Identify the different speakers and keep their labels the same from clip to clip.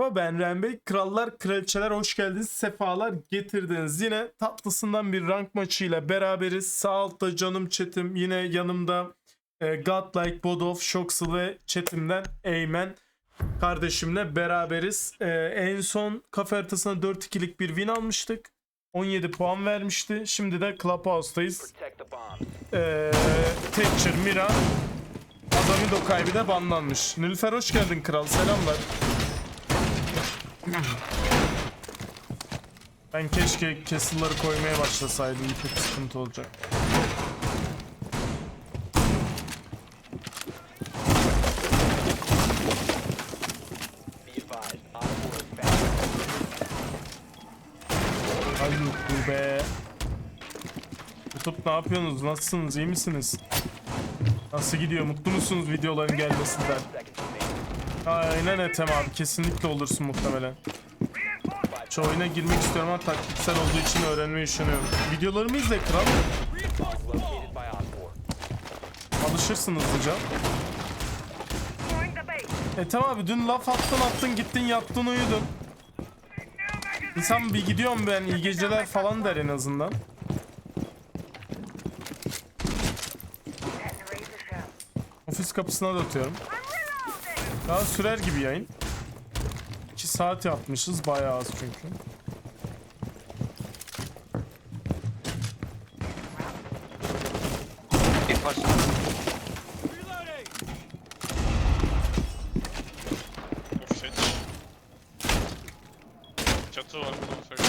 Speaker 1: Merhaba, ben Ren Bey. Krallar, kraliçeler hoş geldiniz. Sefalar getirdiniz. Yine tatlısından bir rank maçıyla beraberiz. Sağ altta canım chat'im. Yine yanımda Godlike, Bodof, Shoxel ve chat'imden Eymen kardeşimle beraberiz. En son kafe haritasına 4-2'lik bir win almıştık. 17 puan vermişti. Şimdi de Clubhouse'dayız. Thatcher, Mira, Adami Dokay de banlanmış. Nilüfer hoş geldin kral. Selamlar. Ben keşke castle'ları koymaya başlasaydım. Çok sıkıntı olacak. Ay yok be. YouTube ne yapıyorsunuz? Nasılsınız? İyi misiniz? Nasıl gidiyor? Mutlu musunuz videoların gelmesinden? Aynen Ethem abi. Kesinlikle olursun muhtemelen. Şu oyuna girmek istiyorum ama taktiksel olduğu için öğrenmeyi düşünüyorum. Videolarımı izle kral. Alışırsın hızlıca. Ethem abi dün laf attın gittin yattın uyudun. İnsan bir gidiyorum ben iyi geceler falan der en azından. Ofis kapısına da atıyorum. Daha sürer gibi yayın. 2 saat yapmışız bayağı az çünkü.
Speaker 2: Çatı var burada.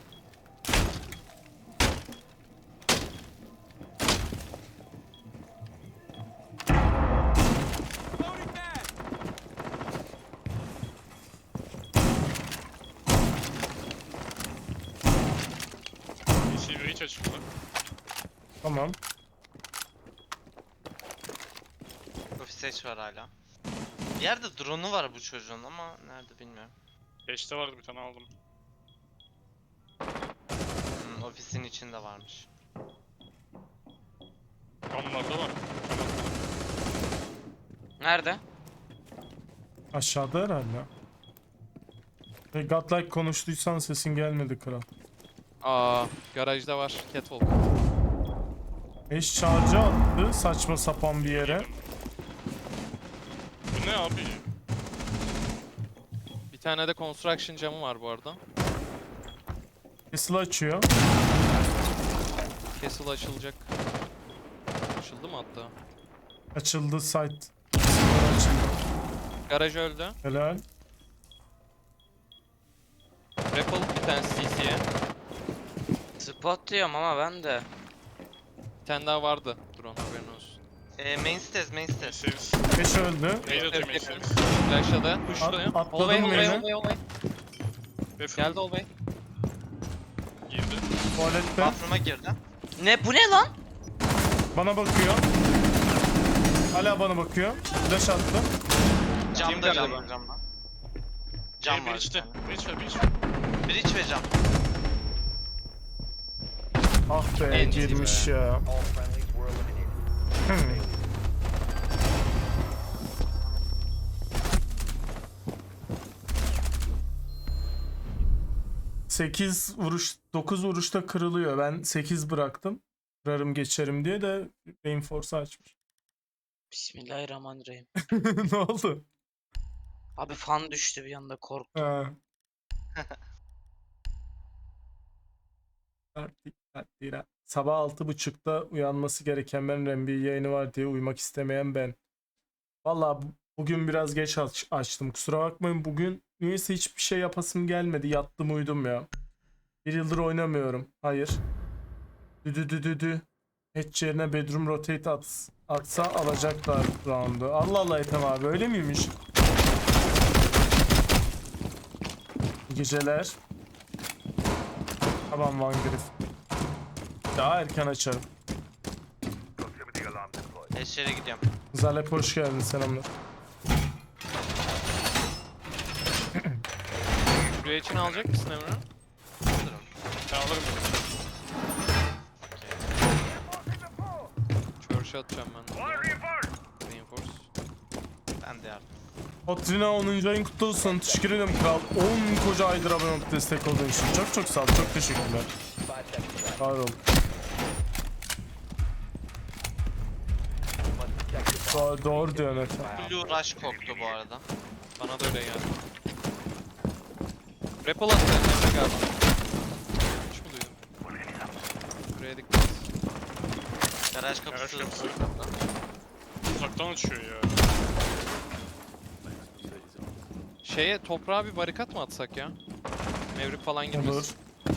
Speaker 2: Yeşil hiç açıldı.
Speaker 1: Tamam.
Speaker 3: Ofis H var hala. Bir yerde drone'u var bu çocuğun ama nerede bilmiyorum.
Speaker 2: Beşte vardı bir tane aldım.
Speaker 3: Ofisin içinde varmış.
Speaker 2: Kamlarda var.
Speaker 3: Nerede?
Speaker 1: Aşağıda herhalde. Godlike konuştuysan sesin gelmedi kral.
Speaker 4: Garajda var Catwalk.
Speaker 1: Eş charge'ı attı saçma sapan bir yere.
Speaker 2: Bu ne abi?
Speaker 4: Bir tane de construction camı var bu arada.
Speaker 1: Castle açıyor.
Speaker 4: Castle açılacak. Açıldı mı hatta?
Speaker 1: Açıldı site.
Speaker 4: Garaj öldü.
Speaker 1: Helal.
Speaker 4: Rappel bir tane CC'ye.
Speaker 3: Spot diyorum ama ben de.
Speaker 4: Bir tane daha vardı. Drone haberin olsun.
Speaker 3: Main stairs.
Speaker 2: Eşeğiz.
Speaker 1: Eş öldü.
Speaker 2: Neydi atayım eşeğiz?
Speaker 4: Flash'ladı. Push'luyor.
Speaker 1: Atladım main'e.
Speaker 4: Geldi Olbey.
Speaker 2: Girdi.
Speaker 1: Tuvalette.
Speaker 3: Bathroom'a girdi. Ne bu ne lan?
Speaker 1: Bana bakıyor. Hala bana bakıyor. Flash attım.
Speaker 3: Camda. Cam
Speaker 2: Bir
Speaker 3: var bir
Speaker 2: içte.
Speaker 3: tane.
Speaker 2: Bir içte.
Speaker 3: Bridge ve cam.
Speaker 1: Ah be
Speaker 4: En iyi
Speaker 1: girmiş
Speaker 4: be.
Speaker 1: ya. Hmm. Sekiz vuruş, 9 vuruşta kırılıyor. Ben 8 bıraktım. Kırarım geçerim diye de Reinforce açmış.
Speaker 5: Bismillahirrahmanirrahim.
Speaker 1: Ne oldu?
Speaker 5: Abi fan düştü bir anda korktum.
Speaker 1: Ha. Dikkatli. Sabah 6.30'da uyanması gereken ben, NBA yayını var diye uyumak istemeyen ben. Vallahi bugün biraz geç açtım. Kusura bakmayın, bugün niyeyse hiçbir şey yapasım gelmedi. Yattım uyudum ya. Bir yıldır oynamıyorum. Hayır. Düdü. Hatch yerine bedroom rotate atsa alacaklar round'u. Allah Allah Ethem abi öyle miymiş? İyi geceler. Tamam Van Griff. Daha erken açarım.
Speaker 3: Eşyere gidiyorum.
Speaker 1: Zalep hoş geldin, selamlar.
Speaker 4: Buraya için alacak mısın Emre?
Speaker 3: Alırım.
Speaker 2: Ben alırım.
Speaker 4: Church'a atacağım ben. Reinforce.
Speaker 3: Ben de yardım.
Speaker 1: Otrina 10. ayın kutlu olsun. Teşekkür ederim kral. 10 koca aydır abone olup destek olduğun için. Çok çok sağ ol. Çok teşekkürler. Var ol. Doğru diyor Mete.
Speaker 3: Blue Rush koktu bu arada.
Speaker 4: Bana da öyle geldi. Rappel attı Emre galiba. Hiç mi duydun? Buraya dikkat et.
Speaker 3: Garaj kapısı.
Speaker 2: Garaj kapısı. Uzaktan uçuyor ya.
Speaker 4: Şeye toprağa bir barikat mı atsak ya? Mevrik falan
Speaker 1: Olur.
Speaker 4: girmesin.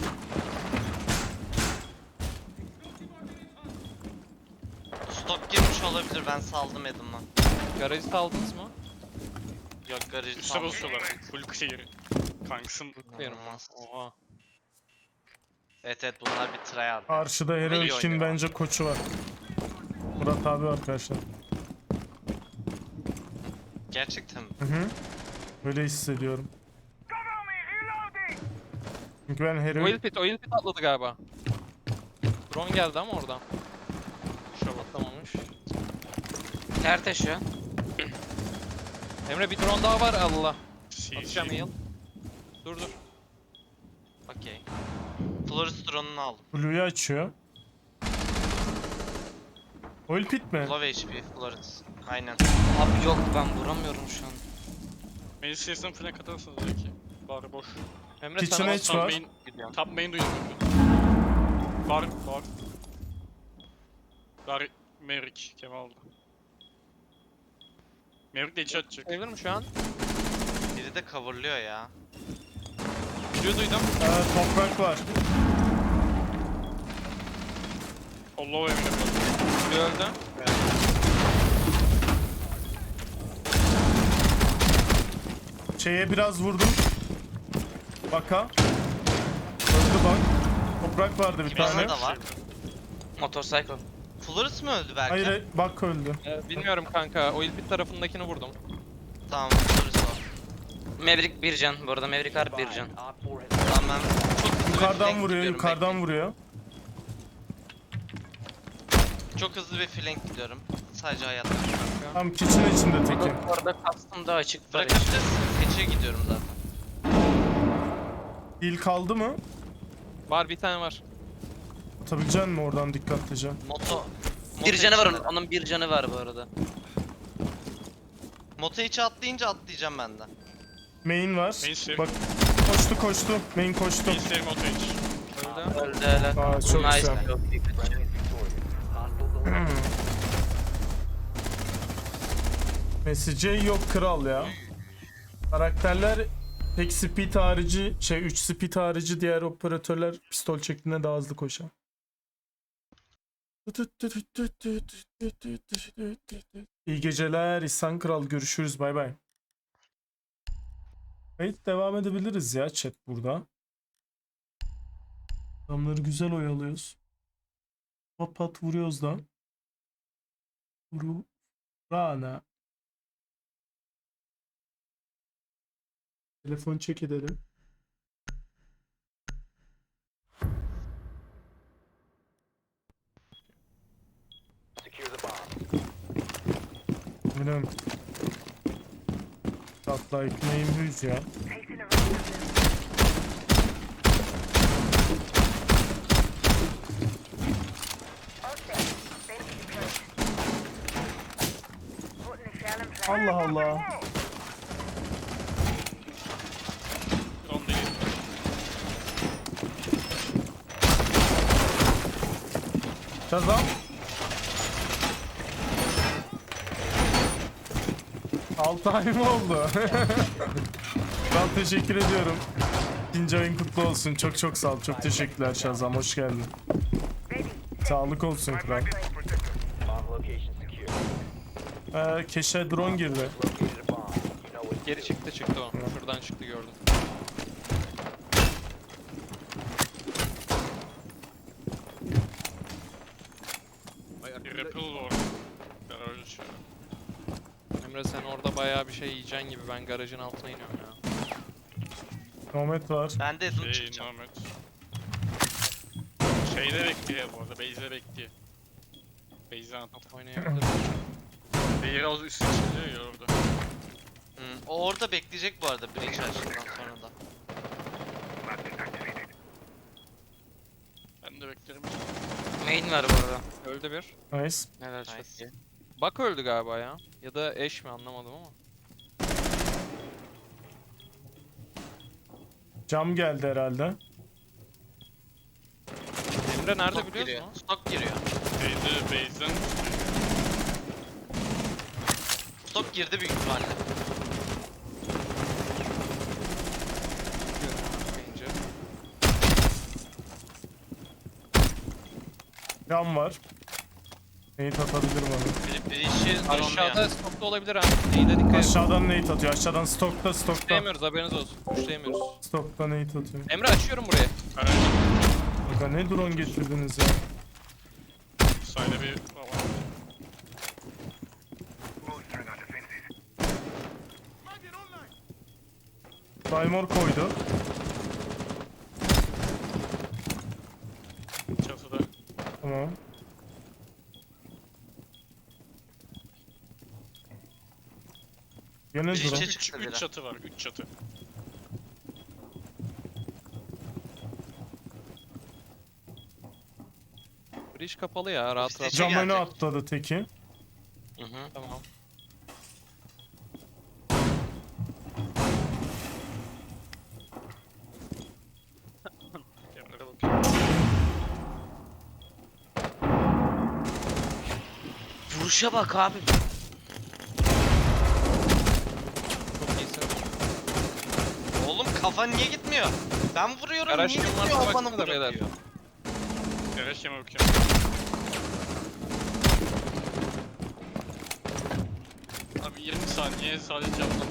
Speaker 3: Stok girmiş olabilir, ben saldım Adam'la.
Speaker 4: Garajı aldınız mı?
Speaker 3: Yok, garajı
Speaker 2: Üste
Speaker 3: saldım.
Speaker 2: basıyorlar. Full clear. Kanksın.
Speaker 4: Bakıyorum.
Speaker 3: İnanılmaz.
Speaker 4: Oha.
Speaker 3: Evet evet, bunlar bir tryhard.
Speaker 1: Karşıda
Speaker 3: iyi
Speaker 1: Heroik'in
Speaker 3: oynuyor.
Speaker 1: bence koçu var. Murat abi var karşıda.
Speaker 3: Gerçekten mi?
Speaker 1: Hı hı. Öyle hissediyorum. Çünkü ben Heroik...
Speaker 4: Oil pit atladı galiba. Drone geldi ama oradan.
Speaker 2: Kuşa bak.
Speaker 4: Atlamamış.
Speaker 5: Nerede şu an?
Speaker 4: Emre bir drone daha var Allah. Atacağım
Speaker 2: CG.
Speaker 4: heal. Dur.
Speaker 3: Okey. Florist drone'unu aldım.
Speaker 1: Blue'yu açıyor. Oil pit mi?
Speaker 3: Low HP Florist. Aynen.
Speaker 5: Abi yok, ben vuramıyorum şu an.
Speaker 2: Main CS'den flank atarsınız belki. Bari boş.
Speaker 4: Emre
Speaker 1: Kitchen
Speaker 4: sana
Speaker 1: Edge
Speaker 2: Top
Speaker 1: var.
Speaker 2: main,
Speaker 3: Gidiyorum.
Speaker 2: top main duyuyorum. Var. Var. Maverick Kemal'da. Maverick de içi atacak.
Speaker 4: Sayılır mı şu an?
Speaker 3: Biri de coverlıyor ya.
Speaker 4: Blue duydum.
Speaker 1: Toprak var.
Speaker 2: Allah'a eminim.
Speaker 4: Blue öldü.
Speaker 1: Şeye biraz vurdum. Baka. Öldü bak. Toprak vardı bir
Speaker 3: Bana
Speaker 1: tane.
Speaker 3: da var.
Speaker 5: Motorcycle.
Speaker 3: Florist mi öldü belki?
Speaker 1: Hayır bak öldü.
Speaker 4: Bilmiyorum kanka. Oil pit tarafındakini vurdum.
Speaker 3: Tamam, Florist var.
Speaker 5: Maverick bir can. Bu arada Maverick harbi bir can.
Speaker 3: Tamam, ben çok hızlı bir
Speaker 1: Yukarıdan
Speaker 3: flank
Speaker 1: vuruyor,
Speaker 3: gidiyorum,
Speaker 1: yukarıdan vuruyor.
Speaker 3: bekleyin. Çok hızlı bir flank gidiyorum. Sadece hayatta.
Speaker 1: Tam kitchen içinde teki.
Speaker 5: Bu arada custom da açık var.
Speaker 3: Bırakabilirsin. Keçe gidiyorum zaten.
Speaker 1: Heal kaldı mı?
Speaker 4: Var bir tane var.
Speaker 1: Atabilecek misin oradan dikkatlice?
Speaker 5: Bir canı var
Speaker 3: içinde.
Speaker 5: onun bir canı var bu arada.
Speaker 3: Moto içi atlayınca atlayacağım ben de.
Speaker 1: Main var.
Speaker 2: Main save.
Speaker 1: Bak koştu. Main koştu.
Speaker 2: Main save moto hiç.
Speaker 4: Öldü.
Speaker 5: Öldü helal.
Speaker 1: Aa, çok
Speaker 5: Nice.
Speaker 1: güzel.
Speaker 5: Çok iyi.
Speaker 1: Mesajı yok kral ya. Karakterler tek speed harici 3 speed harici diğer operatörler pistol şeklinde daha hızlı koşar. İyi geceler İhsan Kral, görüşürüz, bay bay. Kayıt devam edebiliriz ya chat burada. Adamları güzel oyalıyoruz. Pat pat vuruyoruz da. Vuru. Rana. Telefon çek edelim. Benim tatlı ekmeğim hüz ya. Allah Allah.
Speaker 2: Drone değil.
Speaker 1: Kazan. 6 ay mı oldu? Ben teşekkür ediyorum. İkinci ayın kutlu olsun. Çok çok sağ ol. Çok teşekkürler Şazam. Hoş geldin. Sağlık olsun kral. Keşe drone girdi.
Speaker 4: Geri çıktı o. Şuradan çıktı gördüm.
Speaker 2: Bir rappel var. Garaj içi.
Speaker 4: Emre sen orada bayağı bir şey yiyeceksin gibi. Ben garajın altına iniyorum ya.
Speaker 1: Nomet var.
Speaker 3: Ben de hızlı çıkacağım.
Speaker 2: Ahmet. Şeyde bekliyor bu arada. Base'de bekliyor. Base'den attı.
Speaker 4: Oynayabilirim.
Speaker 2: Beyir az üstü çıkıyor ya orada.
Speaker 3: O orada bekleyecek bu arada breach açtıktan sonra da.
Speaker 2: Ben de beklerim.
Speaker 5: Main var bu arada.
Speaker 4: Öldü bir.
Speaker 1: Nice.
Speaker 5: Neler çok
Speaker 3: Nice.
Speaker 5: iyi.
Speaker 4: Bak öldü galiba ya. Ya da eş mi anlamadım ama.
Speaker 1: Cam geldi herhalde.
Speaker 4: Emre nerede
Speaker 3: Stok
Speaker 4: biliyor
Speaker 3: giriyor.
Speaker 4: musun?
Speaker 3: Stok giriyor.
Speaker 2: Base'den
Speaker 3: Stok girdi büyük ihtimalle.
Speaker 4: Bence.
Speaker 1: Cam var. Nate atabilir bana.
Speaker 3: Breach'i
Speaker 4: Aşağıda
Speaker 3: dronluyor.
Speaker 4: stokta olabilir ha. İyi de dikkat et.
Speaker 1: Aşağıdan Nate atıyor. Aşağıdan stokta.
Speaker 4: Pushlayamıyoruz haberiniz olsun. Pushlayamıyoruz.
Speaker 1: Stokta Nate atıyor.
Speaker 4: Emre açıyorum burayı.
Speaker 2: evet.
Speaker 1: Aga ne drone getirdiniz ya.
Speaker 2: Sayda bir var.
Speaker 1: Daimor koydu.
Speaker 2: Çatıda.
Speaker 1: Tamam. Gene
Speaker 3: Biri
Speaker 1: drone.
Speaker 3: içe çıktı
Speaker 2: 3
Speaker 3: biri.
Speaker 2: çatı var. 3 çatı.
Speaker 4: Bridge kapalı ya rahat rahat.
Speaker 3: İşte-
Speaker 1: Cam öne
Speaker 3: gelecek.
Speaker 1: atladı teki.
Speaker 5: Hı hı.
Speaker 4: Tamam.
Speaker 2: Gemlere bakıyorum.
Speaker 5: Vuruşa bak abi.
Speaker 4: Çok iyisin.
Speaker 3: Oğlum kafan niye gitmiyor? Ben vuruyorum
Speaker 4: Garaj
Speaker 3: niye
Speaker 4: kim
Speaker 3: gitmiyor
Speaker 4: varsa
Speaker 3: o bana
Speaker 4: baksana da beyler.
Speaker 3: bırakıyor.
Speaker 2: Garaj yeme bakıyorum. Abi 20 saniye sadece camdan.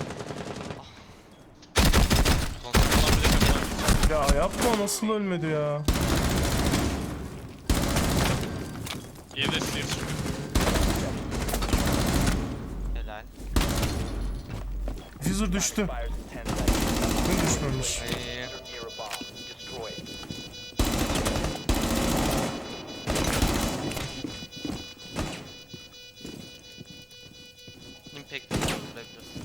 Speaker 2: Ulan bir de kapıdan.
Speaker 1: Ya yapma nasıl ölmedi ya.
Speaker 2: 7 de steer çıkıyor.
Speaker 3: Helal.
Speaker 1: Diffuser düştü. Ne düşmemiş.
Speaker 4: İyi.
Speaker 3: Impact vurabiliyorsun.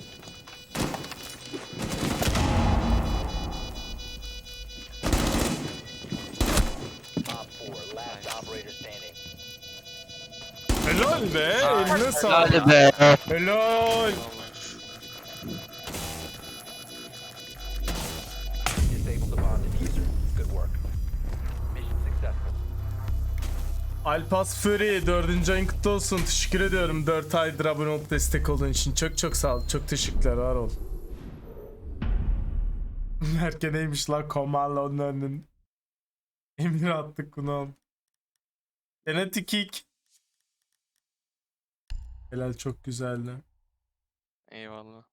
Speaker 1: Helal be. Eline sağlık.
Speaker 5: Hadi be.
Speaker 1: Helal. Alpas Fury 4. ayın kutlu olsun. Teşekkür ediyorum 4 aydır abone olup destek olduğun için. Çok sağ ol. Çok teşekkürler. Var ol. Merke neymiş lan Komallo'nun önünün. Emir attık bunu. Genetik kick. Helal çok güzeldi.
Speaker 4: Eyvallah.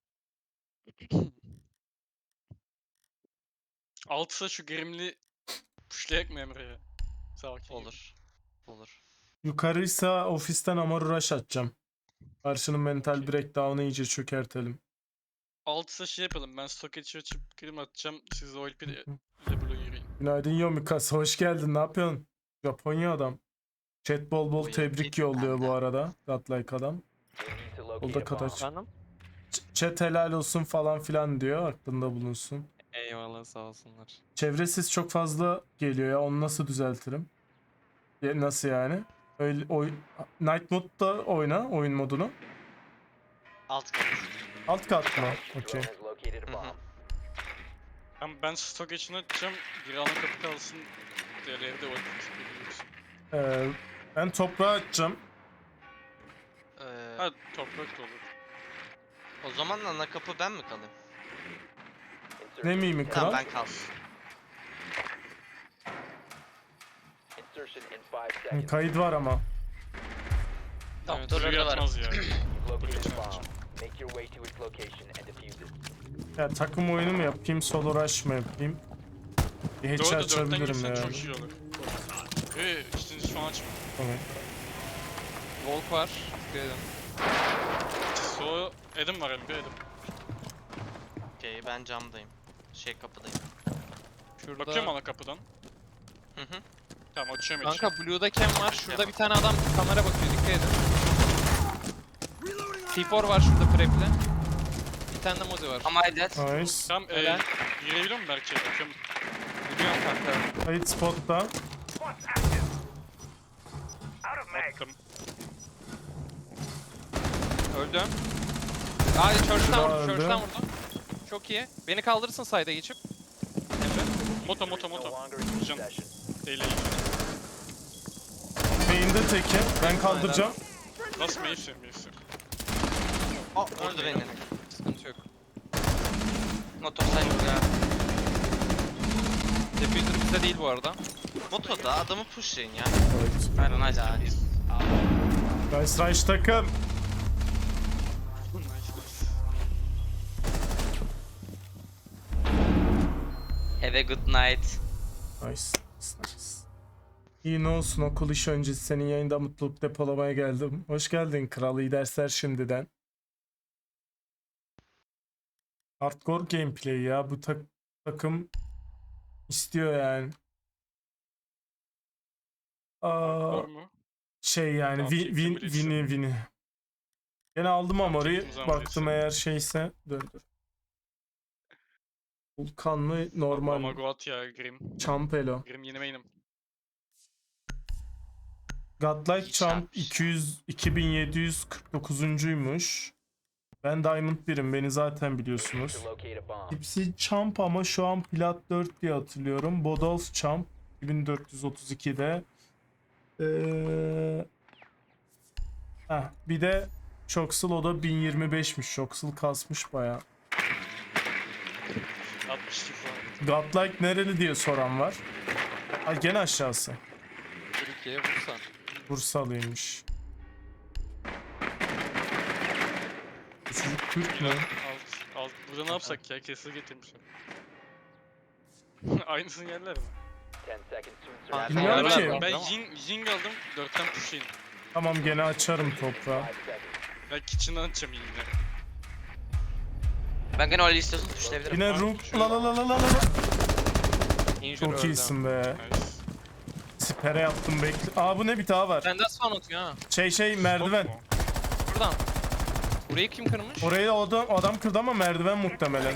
Speaker 2: Altısa şu gerimli pushlayak mı Emre'ye? Sakin.
Speaker 3: Olur. Olur.
Speaker 1: Yukarıysa ofisten Amar Rush atacağım. Karşının mental breakdown'ı iyice çökertelim.
Speaker 2: Altısa şey yapalım. Ben stock açıp krim atacağım. Siz de OLP ile Blue yürüyün.
Speaker 1: Günaydın Yomikas. Hoş geldin. Ne yapıyorsun? Japonya adam. Chat bol bol
Speaker 3: Buyur,
Speaker 1: tebrik
Speaker 3: git
Speaker 1: yolluyor
Speaker 3: benden.
Speaker 1: bu arada. Godlike adam. O da kataç.
Speaker 4: Efendim?
Speaker 1: Chat helal olsun falan filan diyor. Aklında bulunsun.
Speaker 4: Eyvallah sağ olsunlar.
Speaker 1: Çevresiz çok fazla geliyor ya. Onu nasıl düzeltirim? Nasıl yani? Öyle Night Mode'da oyna oyun modunu.
Speaker 3: Alt kat.
Speaker 1: Alt kat mı? Okey.
Speaker 2: Ben stock için atacağım. Biri ana kapı kalsın. Diğerleri de OLP biliyorsun.
Speaker 1: Ben toprağa atacağım.
Speaker 2: Ha toprak da olur.
Speaker 3: O zaman ana kapı ben mi kalayım?
Speaker 1: Ne miyim kral?
Speaker 3: Tamam ben kalsın.
Speaker 1: Kayıt var ama.
Speaker 5: Doktorları
Speaker 2: Blue
Speaker 5: da var.
Speaker 2: yatmaz ya.
Speaker 1: Ya takım oyunu mu yapayım, solo rush mı yapayım? Bir hatch
Speaker 2: Doğru da 4'ten
Speaker 1: açabilirim
Speaker 2: girsen
Speaker 1: yani.
Speaker 2: çok iyi olur. İşte şu an açma.
Speaker 1: Tamam.
Speaker 4: Volk var. Dikkat edin.
Speaker 2: So Adam var elimde Adam.
Speaker 3: Okey ben camdayım. Kapıdayım.
Speaker 4: Şurada.
Speaker 2: Bakıyorum ana kapıdan.
Speaker 3: Hı hı.
Speaker 2: Tamam açıyorum
Speaker 4: Kanka Blue'da cam var. Şurada bir tane adam kamera bakıyor. Dikkat edin. T4 var şurada prep'le. Bir tane de Mozi var.
Speaker 5: Ama Aydet.
Speaker 1: Nice.
Speaker 2: Tamam
Speaker 4: Helal.
Speaker 2: girebiliyor muyum Berk'e? Bakıyorum.
Speaker 4: Biliyorum kanka.
Speaker 1: Kayıt spotta.
Speaker 2: Attım.
Speaker 4: Öldüm. Aa Church'tan
Speaker 1: Daha
Speaker 4: vurdu.
Speaker 1: öldü.
Speaker 4: Church'tan vurdu. Çok iyi. Beni kaldırırsın side'a geçip. Emre.
Speaker 2: Moto. Can. Eyle.
Speaker 1: Main'de teki. Ben kaldıracağım.
Speaker 2: Nasıl Mason?
Speaker 3: Aa, vurdu beni.
Speaker 4: Sıkıntı yok.
Speaker 5: Motor sayılır ya.
Speaker 4: Diffuser bizde değil bu arada.
Speaker 3: Moto'da adamı pushlayın ya.
Speaker 5: Aynen nice.
Speaker 1: Nice Rush takım.
Speaker 5: Have a good night.
Speaker 1: Nice. İyi ne olsun, okul iş öncesi senin yayında mutluluk depolamaya geldim. Hoş geldin kral, iyi dersler şimdiden. Hardcore gameplay ya, bu takım istiyor yani.
Speaker 2: Var mı?
Speaker 1: Şey yani
Speaker 2: Tamam, çektim bile
Speaker 1: win'i. Gene aldım ama orayı
Speaker 2: çektim zaman
Speaker 1: baktım
Speaker 2: birisi.
Speaker 1: eğer şeyse döndür. Vulkan mı normal
Speaker 2: Ama
Speaker 1: mi?
Speaker 2: Goat ya Grim.
Speaker 1: Champelo.
Speaker 2: Grim yeni main'im.
Speaker 1: Godlike
Speaker 3: İyi
Speaker 1: Champ
Speaker 3: çarpmış.
Speaker 1: 2749'uncuymuş. Ben Diamond 1'im, beni zaten biliyorsunuz. Tipsy Champ ama şu an Plat 4 diye hatırlıyorum. Bodolf Champ 2432'de. Bir de Shoxel, o da 1025'miş. Shoxel kasmış baya.
Speaker 2: 62 falan.
Speaker 1: Godlike nereli diye soran var. Ha, gene aşağısı.
Speaker 4: Türkiye Bursa.
Speaker 1: Bursalıymış. Bu çocuk Türk mü?
Speaker 2: Alt. Burada ne yapsak ya? Kesin getirmişler. Aynısını yerler mi?
Speaker 1: Bilmiyorum
Speaker 3: Helal
Speaker 1: ki.
Speaker 3: olsun.
Speaker 2: Ben Ying aldım. 4'ten pushayım.
Speaker 1: Tamam, gene açarım toprağı.
Speaker 2: Ben kitchen'dan açacağım Ying'leri.
Speaker 5: Ben gene öyle istiyorsun tuşlayabilirim.
Speaker 1: Yine Rook. La.
Speaker 4: Injure
Speaker 1: Çok
Speaker 4: öldü.
Speaker 1: iyisin be.
Speaker 2: Nice.
Speaker 1: Sipere yaptım, bekle. Aa, bu ne, bir daha var.
Speaker 4: Benden spawn atıyor ha.
Speaker 1: Merdiven.
Speaker 2: Top mu?
Speaker 4: Buradan. Burayı kim kırmış?
Speaker 1: Orayı adam kırdı ama merdiven muhtemelen.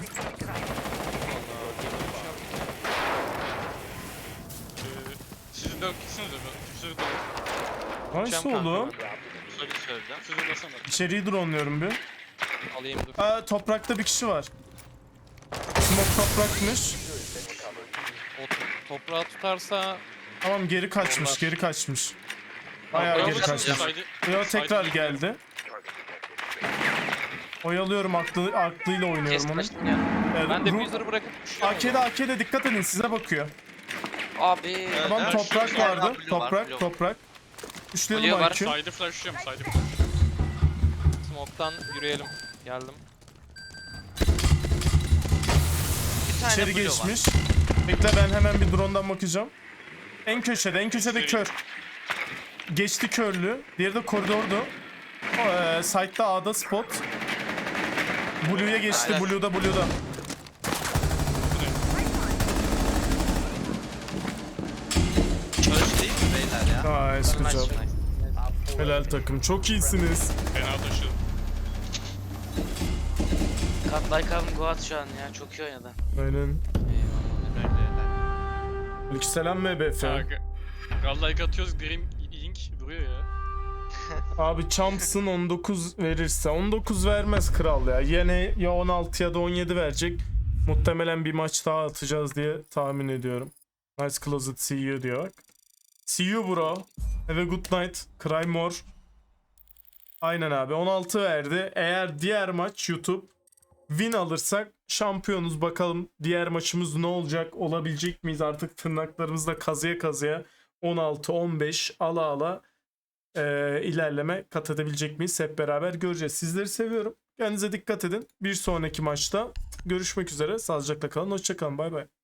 Speaker 2: Sizin 4 gitsiniz de ben. Sizin 4.
Speaker 1: Nasıl oldu?
Speaker 3: Soru söyleyeceğim.
Speaker 2: Sizin basana.
Speaker 1: İçeriği dronluyorum bir.
Speaker 4: Alayım dur.
Speaker 1: Aa, toprakta bir kişi var. Smoke toprakmış.
Speaker 4: O toprağı tutarsa
Speaker 1: Tamam, geri kaçmış. Bayağı
Speaker 5: Tamam,
Speaker 1: geri
Speaker 5: bravo,
Speaker 1: kaçmış.
Speaker 5: bravo.
Speaker 1: Yo, tekrar geldi. Oyalıyorum, aklıyla oynuyorum
Speaker 5: Kes
Speaker 1: onu.
Speaker 5: kaçtım ya.
Speaker 4: ben
Speaker 1: Rook-
Speaker 4: diffuser'ı bırakıp düşüyorum.
Speaker 1: AK'de dikkat edin, size bakıyor.
Speaker 5: Abi.
Speaker 1: Tamam,
Speaker 3: Evet,
Speaker 1: toprak
Speaker 3: şu yerden
Speaker 1: vardı.
Speaker 3: blue var, blue.
Speaker 1: Toprak. Üçleyelim
Speaker 5: Blue var.
Speaker 1: IQ.
Speaker 2: Side'ı flashlıyorum. Side'ı flash.
Speaker 4: Smoke'tan yürüyelim. Geldim.
Speaker 3: Bir tane
Speaker 1: İçeri
Speaker 3: blue var.
Speaker 1: geçmiş. Bekle, ben hemen bir drone'dan bakacağım. En köşede kör. Geçti körlü. Diğeri de koridordu. Side'da A'da spot. Blue'ya geçti.
Speaker 3: Aynen.
Speaker 1: Blue'da.
Speaker 3: Church değil mi beyler ya?
Speaker 1: Nice, good
Speaker 3: Nice,
Speaker 1: job.
Speaker 3: nice.
Speaker 1: Helal takım. Çok iyisiniz.
Speaker 2: Fena taşıdım.
Speaker 5: Kat like abim Goat şu an ya. Çok iyi oynadı.
Speaker 1: Aynen.
Speaker 3: Eyvallah, helal.
Speaker 1: Aleykümselam MBF.
Speaker 2: Like atıyoruz. Grim Ying vuruyor ya.
Speaker 1: Abi Champs'ın 19 verirse. 19 vermez kral ya. Yine ya 16 ya da 17 verecek. Muhtemelen bir maç daha atacağız diye tahmin ediyorum. Nice closet, see you diyor bak. See you bro. Have a good night. Cry more. Aynen abi, 16 verdi. Eğer diğer maç YouTube win alırsak şampiyonuz, bakalım diğer maçımız ne olacak, olabilecek miyiz, artık tırnaklarımızla kazıya 16-15 ala ilerleme kat edebilecek miyiz, hep beraber göreceğiz. Sizleri seviyorum. Kendinize dikkat edin. Bir sonraki maçta görüşmek üzere. Sağlıcakla kalın. Hoşça kalın. Bay bay.